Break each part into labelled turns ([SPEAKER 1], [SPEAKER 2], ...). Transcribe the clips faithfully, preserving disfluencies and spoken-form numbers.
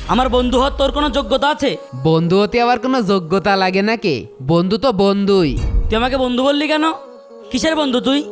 [SPEAKER 1] আমার বন্ধু হওয়ার তোর কোনো যোগ্যতা আছে?
[SPEAKER 2] বন্ধু হতে আবার কোনো যোগ্যতা লাগে নাকি? বন্ধু তো বন্ধুই।
[SPEAKER 1] তুই আমাকে বন্ধু বললি কেন? কিসের বন্ধু তুই?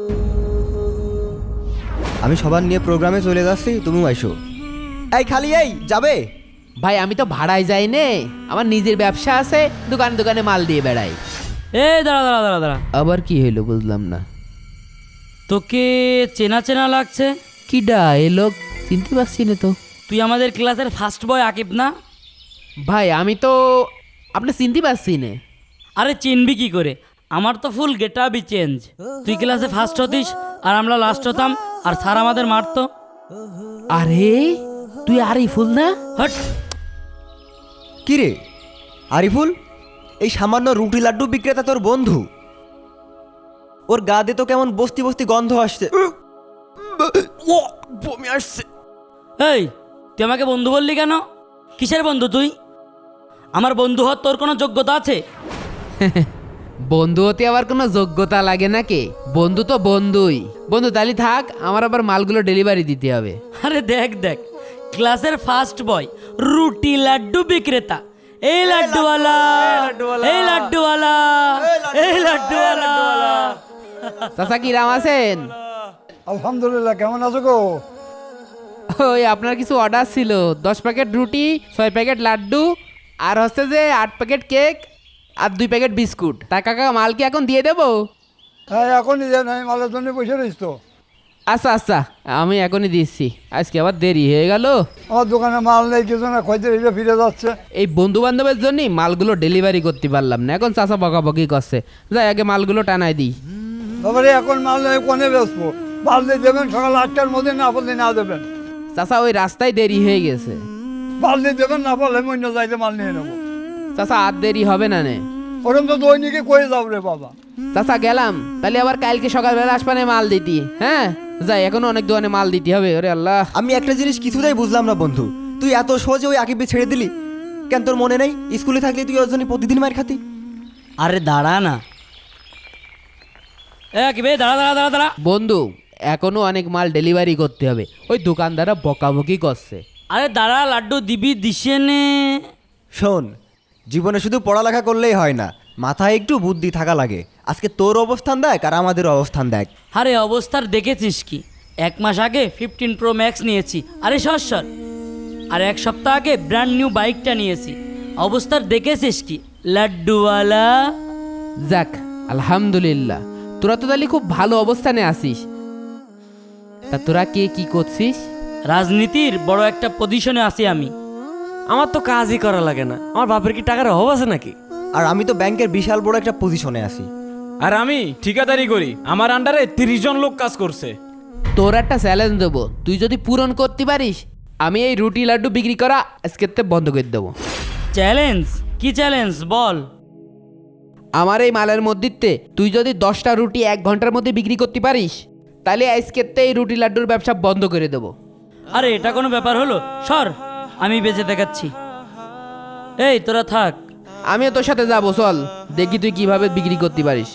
[SPEAKER 3] আমি সবার নিয়ে প্রোগ্রামে চলে যাচ্ছি, তুমিও আইসো। এই খালি এই যাবে?
[SPEAKER 2] ভাই আমি তো ভাড়ায় যাই নে, আমার নিজের ব্যবসা আছে, দোকানে দোকানে মাল দিয়ে বেড়াই।
[SPEAKER 1] এ দাঁড়া দাঁড়া দাঁড়া দাঁড়া,
[SPEAKER 2] আবার কি হইলো বুঝলাম না।
[SPEAKER 1] তোকে চেনা চেনা লাগছে।
[SPEAKER 2] কিডা এ লোক? চিনতে পারছি না তো।
[SPEAKER 1] তুই আমাদের ক্লাসের ফার্স্ট বয় আকিব না?
[SPEAKER 2] ভাই আমি তো আপনি চিনতে পারছি না।
[SPEAKER 1] আরে চিনবি কি করে? আমার তো ফুল গেট আপই চেঞ্জ। তুই ক্লাসে ফার্স্ট হতিস আর আমরা লাস্ট হতাম, আর স্যার আমাদের মারতো।
[SPEAKER 2] আরে তুই আরিফুল না?
[SPEAKER 1] হট!
[SPEAKER 3] কি রে আরিফুল, এই সামান্য রুটি লাড্ডু বিক্রেতা তোর বন্ধু? ওর গা দিয়ে তো কেমন বস্তি বস্তি গন্ধ আসছে। ও বমি আসছে।
[SPEAKER 1] এই তুই আমাকে বন্ধু বললি কেন? কিসের বন্ধু তুই? আমার বন্ধু হওয়ার তোর কোনো যোগ্যতা আছে?
[SPEAKER 2] বন্ধু হতে আবার কোনো যোগ্যতা লাগে নাকি? বন্ধু তো বন্ধুই। বন্ধু তাহলে থাক, আমার আবার মালগুলো ডেলিভারি দিতে হবে।
[SPEAKER 1] আরে দেখ দেখ, ক্লাসের ফার্স্ট বয় রুটি লাড্ডু বিক্রেতা। এই লাড্ডুওয়ালা, এই লাড্ডুওয়ালা, এই লাড্ডুওয়ালা।
[SPEAKER 2] চাচা কি রাম আছেন?
[SPEAKER 4] আলহামদুলিল্লাহ, কেমন আছো গো?
[SPEAKER 2] ওই আপনার কিছু অর্ডার ছিল, দশ প্যাকেট রুটি, ছয় প্যাকেট লাড্ডু, আর হচ্ছে যে আট প্যাকেট কেক আর দুই প্যাকেট বিস্কুট। তা কাকা মাল কি এখন দিয়ে দেবো?
[SPEAKER 4] হ্যাঁ এখনই দেন, আমি মালের জন্য বসে রয়েছি তো।
[SPEAKER 2] আচ্ছা আচ্ছা, আমি এখনই দিচ্ছি। আজকে আবার দেরি হয়ে গেল।
[SPEAKER 4] আমার দোকানে মাল নেই, কিছু না, খোঁজতে এসে ফিরে যাচ্ছে।
[SPEAKER 2] এই বন্ধু বান্ধবের জন্যই মালগুলো ডেলিভারি করতে পারলাম না, এখন চাচা বকাবকি করছে। যাই আগে মালগুলো টানাই দিই।
[SPEAKER 4] তারপরে এখন মাল নেই, কোনে বেসবো? মাল দিয়ে দেবেন সকাল আটটার মধ্যে, না বললে না দেবেন।
[SPEAKER 2] চাচা ওই রাস্তায় দেরি হয়ে গেছে।
[SPEAKER 4] মাল দিয়ে দেবেন, না বললে অন্য যাইতে মাল নিয়ে নেবো।
[SPEAKER 2] চাচা আর দেরি হবে না নে।
[SPEAKER 4] ওরকম তো দৈনিকে করে যাও রে বাবা।
[SPEAKER 2] চাচা গেলাম, তাহলে আবার কালকে সকালবেলা আসবানে মাল দিতি। হ্যাঁ যাই, এখনো অনেক দোকানে মাল দিতে হবে। ওরে আল্লাহ,
[SPEAKER 3] আমি একটা জিনিস কিছুতেই বুঝলাম না বন্ধু, তুই এত সহজে ওই আকিবকে ছেড়ে দিলি কেন? তোর মনে নেই স্কুলে থাকলে তুই ওর জন্য প্রতিদিন মার খাতি?
[SPEAKER 1] আরে দাঁড়া না, এ আকিব, এই দাঁড়া দাঁড়া দাঁড়া দাঁড়া।
[SPEAKER 2] বন্ধু এখনো অনেক মাল ডেলিভারি করতে হবে, ওই দোকানদাররা বকাবকি করছে।
[SPEAKER 1] আরে দাঁড়া, লাড্ডু দিবি দিশে নে।
[SPEAKER 3] শোন, জীবনে শুধু পড়ালেখা করলেই হয় না, মাথায় একটু বুদ্ধি থাকা লাগে। আজকে তোর অবস্থান দেখ আর আমাদের অবস্থান দেখ।
[SPEAKER 1] আরে অবস্থার দেখেছিস কি? এক মাস আগে ফিফটিন প্রো ম্যাক্স নিয়েছি। আরে সর সর। আর এক সপ্তাহ আগে ব্র্যান্ড নিউ বাইকটা নিয়েছি। অবস্থার দেখেছিস কি লাড্ডুওয়ালা?
[SPEAKER 2] যাক আলহামদুলিল্লাহ, তোরা তো তাহলে খুব ভালো অবস্থানে আছিস। তা তোরা কে কি করছিস?
[SPEAKER 1] রাজনীতির বড় একটা পজিশনে আছি আমি।
[SPEAKER 5] আমার তো কাজই করা লাগে না, আমার বাপের কি টাকার অভাব আছে নাকি?
[SPEAKER 3] আর আমি তো ব্যাংকের বিশাল বড় একটা পজিশনে আছি।
[SPEAKER 6] আর আমি ঠিকাদারি করি, আমার আন্ডারে তিরিশ জন লোক কাজ করছে।
[SPEAKER 2] তোর একটা চ্যালেঞ্জ দেবো, তুই যদি পূরণ করতে পারিস আমি এই রুটি লাড্ডু বিক্রি করা আজকের থেকে বন্ধ করে দেবো।
[SPEAKER 1] চ্যালেঞ্জ? কি চ্যালেঞ্জ বল?
[SPEAKER 2] আমার এই মালের মধ্যে তুই যদি দশটা রুটি এক ঘন্টার মধ্যে বিক্রি করতে পারিস তাহলে আজকের থেকে এই রুটি লাড্ডুর ব্যবসা বন্ধ করে দেবো।
[SPEAKER 1] আরে এটা কোনো ব্যাপার হলো? সর, আমি বেঁচে দেখাচ্ছি। এই তোরা থাক,
[SPEAKER 2] আমিও তোর সাথে যাবো, চল দেখি তুই কিভাবে বিক্রি করতে পারিস।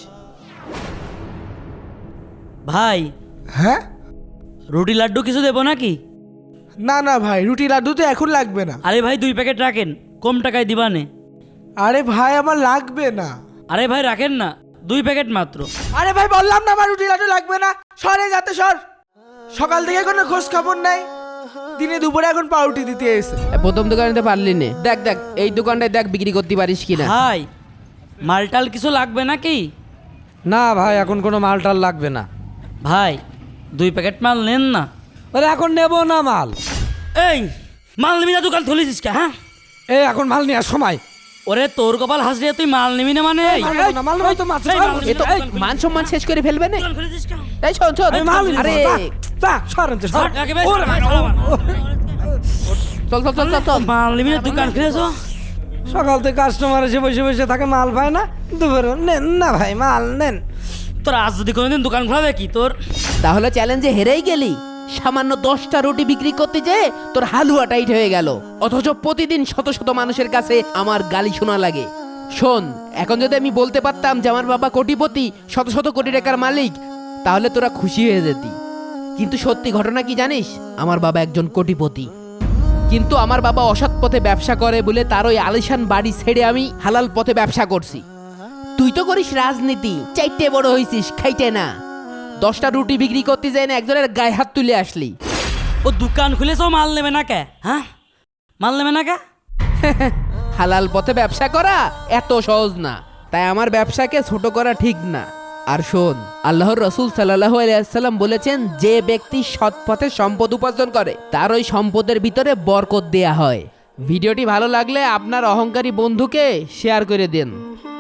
[SPEAKER 1] ভাই।
[SPEAKER 7] হ্যাঁ?
[SPEAKER 1] রুটি লাড্ডু কিছু দেবো নাকি?
[SPEAKER 7] না না ভাই, রুটি লাড্ডু তো এখন লাগবে না।
[SPEAKER 1] আরে ভাই দুই প্যাকেট রাখেন, কম টাকায় দিবানে।
[SPEAKER 7] আরে ভাই আমার লাগবে না।
[SPEAKER 1] আরে ভাই রাখেন না, দুই প্যাকেট মাত্র।
[SPEAKER 7] আরে ভাই বললাম না আমার রুটি লাড্ডু লাগবে না। সরে যাতে সর, সকাল থেকে কোনো খোঁজ খবর নাই, দিনে দুপুরে এখন পাউরুটি দিতে এসে।
[SPEAKER 2] এ, প্রথম দোকানে পারলি নে, দেখ দেখ এই দোকানটায় দেখ বিক্রি করতে পারিস কিনা।
[SPEAKER 1] ভাই মালটাল কিছু লাগবে নাকি?
[SPEAKER 5] না ভাই, এখন কোনো মালটাল লাগবে না।
[SPEAKER 1] ভাই দুই প্যাকেট মাল নেন না।
[SPEAKER 5] আরে এখন নেবো না মাল।
[SPEAKER 1] এই মাল নিবি না, দোকান খুলেছিস কে? হ্যাঁ,
[SPEAKER 5] এই এখন মাল নেওয়ার সময়।
[SPEAKER 1] ওরে তোর কপাল হাসলে তুই মাল নিবি না মানে? এই,
[SPEAKER 5] মাল নেবো না, মাল নেবো তো মাছ
[SPEAKER 1] এই, মাল নিবি
[SPEAKER 2] এ তো
[SPEAKER 1] না, দোকান খুলে-
[SPEAKER 2] মান সম্মান শেষ করে ফেলবে না।
[SPEAKER 1] দোকান খুলেছিস কে?
[SPEAKER 2] এই শোন শোন,
[SPEAKER 5] এই মাল নিবো,
[SPEAKER 2] আরে
[SPEAKER 5] যা, যা, সরেন তো, সর।
[SPEAKER 1] সর, একেবারে
[SPEAKER 5] ওরে
[SPEAKER 1] সর,
[SPEAKER 5] ভাই,
[SPEAKER 1] সর,
[SPEAKER 5] ও,
[SPEAKER 1] সর।
[SPEAKER 2] চল চল চল চল চল।
[SPEAKER 1] মাল নিবি না, দোকান খুলেছো?
[SPEAKER 5] সকাল থেকে কাস্টমার এসে বসে বসে থাকে, মাল পায় না। দুপুরে নেন না ভাই, মাল নেন।
[SPEAKER 1] তোর আজ যদি কোনোদিন দোকান খোলাবে কি তোর?
[SPEAKER 2] তাহলে চ্যালেঞ্জে হেরেই গেলি। সামান্য দশটা রুটি বিক্রি করতে যেয়ে তোর হালুয়া টাইট হয়ে গেল, অথচ প্রতিদিন শত শত মানুষের কাছে আমার গালি শোনা লাগে। শোন, এখন যদি আমি বলতে পারতাম যে আমার বাবা কোটিপতি, শত শত কোটি টাকার মালিক, তাহলে তোরা খুশি হয়ে যেতি। কিন্তু সত্যি ঘটনা কি জানিস? আমার বাবা একজন কোটিপতি। কিন্তু আমার বাবা অসৎ পথে ব্যবসা করে বলে তার ওই আলিশান বাড়ি ছেড়ে আমি হালাল পথে ব্যবসা করছি। তুই তো করিস রাজনীতি, চাইতে বড় হইছিস, খাইতে না। দশটা রুটি বিক্রি করতে যাই না একজনের গায়ে হাত তুলে আসলি।
[SPEAKER 1] ও দোকান খুলেছো, মাল নেবে না কে? হ্যাঁ, মাল নেবে না কে?
[SPEAKER 2] হালাল পথে ব্যবসা করা এত সহজ না, তাই আমার ব্যবসাকে ছোট করা ঠিক না। আর শোন, আল্লাহর রসুল সাল্লাল্লাহু আলাইহি সাল্লাম বলেছেন, যে ব্যক্তি সৎ পথে সম্পদ উপার্জন করে তার ওই সম্পদের ভিতরে বরকত দেয়া হয়। ভিডিওটি ভালো লাগলে আপনার অহংকারী বন্ধুকে শেয়ার করে দিন।